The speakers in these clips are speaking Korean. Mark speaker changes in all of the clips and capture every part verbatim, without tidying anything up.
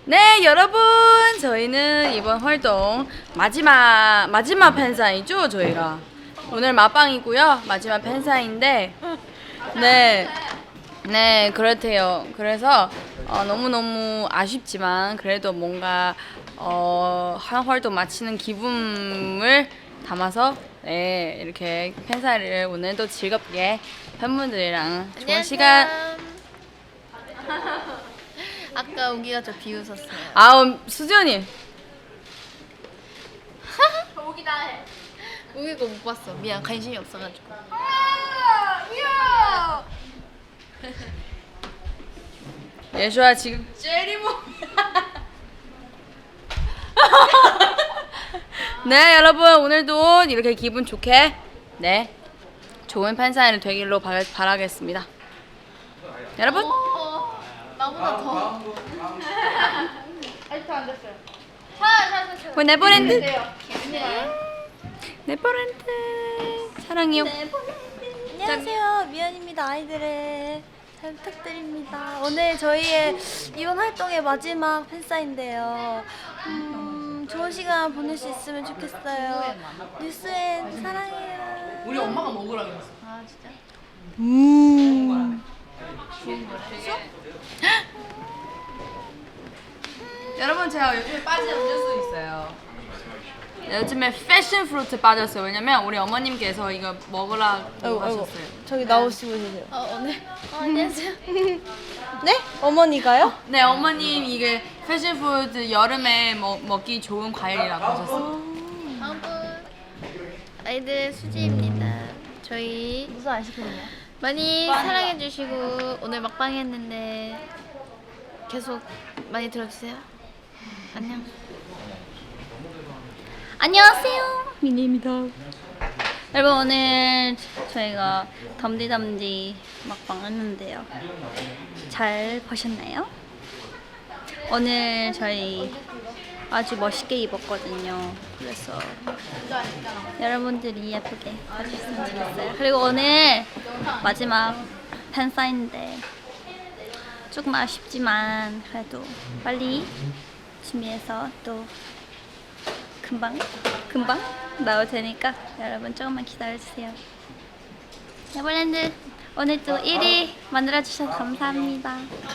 Speaker 1: 네, 여러분, 저희는 이번 활동 마지막 마지막 팬사인이죠, 저희가. 오늘 맛방이고요. 마지막 팬사인데, 네, 네, 그렇대요. 그래서 어, 너무너무 아쉽지만 그래도 뭔가 어, 한 활동 마치는 기분을 담아서 네, 이렇게 팬사를 오늘도 즐겁게 팬분들이랑 좋은 시간.
Speaker 2: 아까 우기가 저 비웃었어요.
Speaker 1: 아우, 수지언니.
Speaker 2: 우기다 해. 우기가 못 봤어. 미안, 관심이 없어가지고.
Speaker 1: 예수야 지금 젤리모. 네, 여러분, 오늘도 이렇게 기분 좋게 네 좋은 팬사인을 되길로 바, 바라겠습니다. 여러분,
Speaker 2: 어, 나보다 더. 아직도 안 됐어요. 자, 자, 자, 자.
Speaker 1: 그 네버랜드.
Speaker 2: 네.
Speaker 1: 네버랜드 사랑해요.
Speaker 3: 안녕하세요, 미연입니다. 아이들의 잘 부탁드립니다. 오늘 저희의 이번 활동의 마지막 팬사인데요. 음, 좋은 시간 보낼 수 있으면 좋겠어요. 뉴스엔 사랑해요.
Speaker 1: 우리 엄마가 먹으라 그랬어.
Speaker 2: 아, 진짜?
Speaker 1: 음. 여러분, 제가 요즘에 빠진 음료수 있어요. 요즘에 패션 프루트 빠졌어요. 왜냐면 우리 어머님께서 이거 먹으라고 하셨어요.
Speaker 3: 저기 나오시고 계세요.
Speaker 2: 어, 오늘. 어, 안녕하세요.
Speaker 3: 네? 어머니가요?
Speaker 1: 네, 어머님 이게 패션 프루트 여름에 먹, 먹기 좋은 과일이라고 하셨어요.
Speaker 2: 다음 분. 아이들 수지입니다. 저희
Speaker 3: 무슨 아이스크림이요?
Speaker 2: 많이 사랑해주시고 오늘 막방 했는데 계속 많이 들어주세요. 안녕.
Speaker 4: 안녕하세요, 미니입니다. 여러분, 오늘 저희가 덤디덤디 막방 했는데요. 잘 보셨나요? 오늘 저희 아주 멋있게 입었거든요. 그래서 여러분들이 예쁘게 봐주셨으면 좋겠어요. 그리고 오늘 마지막 팬사인데 조금 아쉽지만 그래도 빨리 준비해서 또 금방 금방 나올 테니까 여러분 조금만 기다려주세요. 네버랜드 오늘도 일 위 만들어주셔서 감사합니다.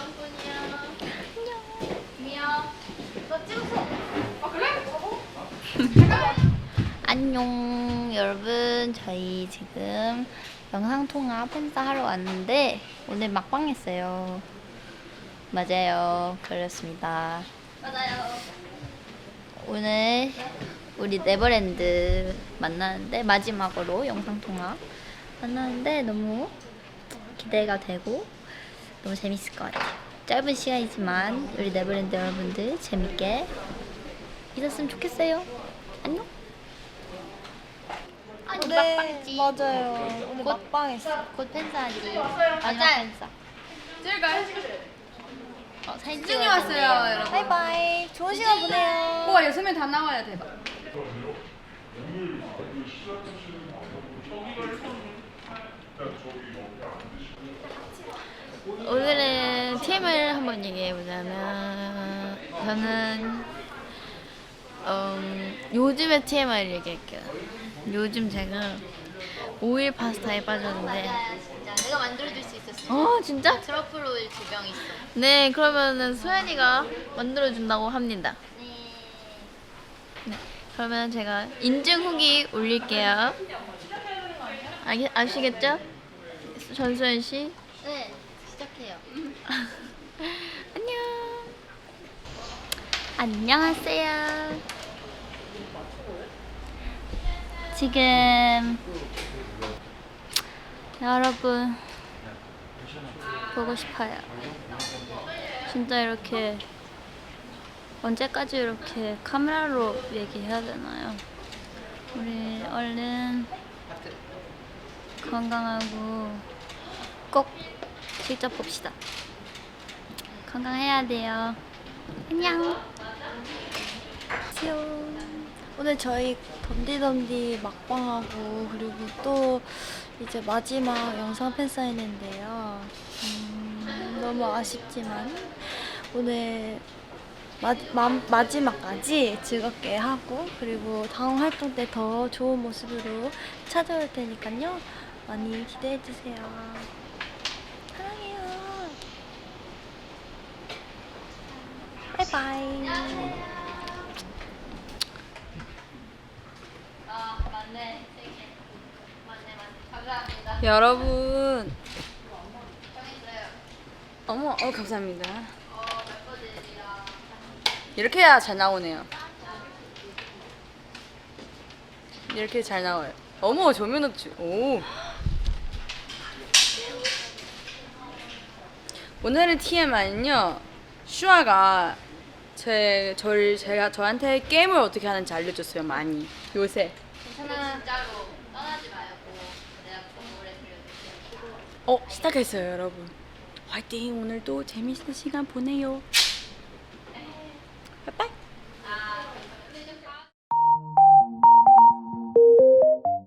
Speaker 2: 안녕 여러분, 저희 지금 영상통화 팬싸 하러 왔는데 오늘 막방 했어요. 맞아요, 그렇습니다.
Speaker 4: 맞아요.
Speaker 2: 오늘 우리 네버랜드 만나는데 마지막으로 영상통화 만나는데 너무 기대가 되고 너무 재밌을 것 같아요. 짧은 시간이지만 우리 네버랜드 여러분들 재밌게 있었으면 좋겠어요. 안녕. 아니
Speaker 3: 네,
Speaker 2: 막방했지.
Speaker 3: 맞아요. 오늘
Speaker 2: 곧-
Speaker 3: 막방했어.
Speaker 2: 곧 팬싸하지. 맞아. 팬싸.
Speaker 1: 제가
Speaker 2: 어, 사진
Speaker 1: 수진이
Speaker 2: 찍어야
Speaker 1: 왔어요,
Speaker 2: 된대요.
Speaker 1: 여러분.
Speaker 3: 바이바이. 좋은 시간 보내요.
Speaker 1: 우와, 여섯 명 다 나와야 대박.
Speaker 2: 오늘은 티엠을 한번 얘기해보자면 저는 음, 요즘의 티엠아이를 얘기할게요. 요즘 제가 오일 파스타에 빠졌는데
Speaker 5: 내가 만들어줄 수 있었어.
Speaker 2: 어 진짜?
Speaker 5: 트러플 오일 두 병 있어.
Speaker 2: 네, 그러면은 소연이가 만들어준다고 합니다. 네, 그러면 제가 인증 후기 올릴게요. 아, 아시겠죠? 전소연 씨.
Speaker 5: 네, 시작해요.
Speaker 2: 안녕.
Speaker 4: 안녕하세요. 지금 여러분 보고 싶어요. 진짜 이렇게 언제까지 이렇게 카메라로 얘기해야 되나요? 우리 얼른 건강하고 꼭 직접 봅시다. 건강해야 돼요. 안녕.
Speaker 3: 안녕. 오늘 저희 덤디덤디 막방하고 그리고 또 이제 마지막 영상 팬사인회인데요. 음, 너무 아쉽지만 오늘 마, 마, 마지막까지 즐겁게 하고 그리고 다음 활동 때 더 좋은 모습으로 찾아올 테니까요. 많이 기대해 주세요. 사랑해요. 바이바이.
Speaker 5: 아 맞네. 생일. 맞네 맞네. 감사합니다.
Speaker 1: 여러분.
Speaker 5: 정했어요.
Speaker 1: 어머, 어 감사합니다.
Speaker 5: 어 멤버들이랑
Speaker 1: 이렇게 해야 잘 나오네요. 이렇게 잘 나와요. 어머, 조면업주. 오. 오늘의 티엠아이는요. 슈아가 제 저를 제가 저한테 게임을 어떻게 하는지 알려줬어요. 많이 요새.
Speaker 5: 괜찮아. 진짜로 떠나지 말고 내가 노래 들려줄게요.
Speaker 1: 어 시작했어요, 여러분. 화이팅! 오늘도 재밌는 시간 보내요. 빠이빠이.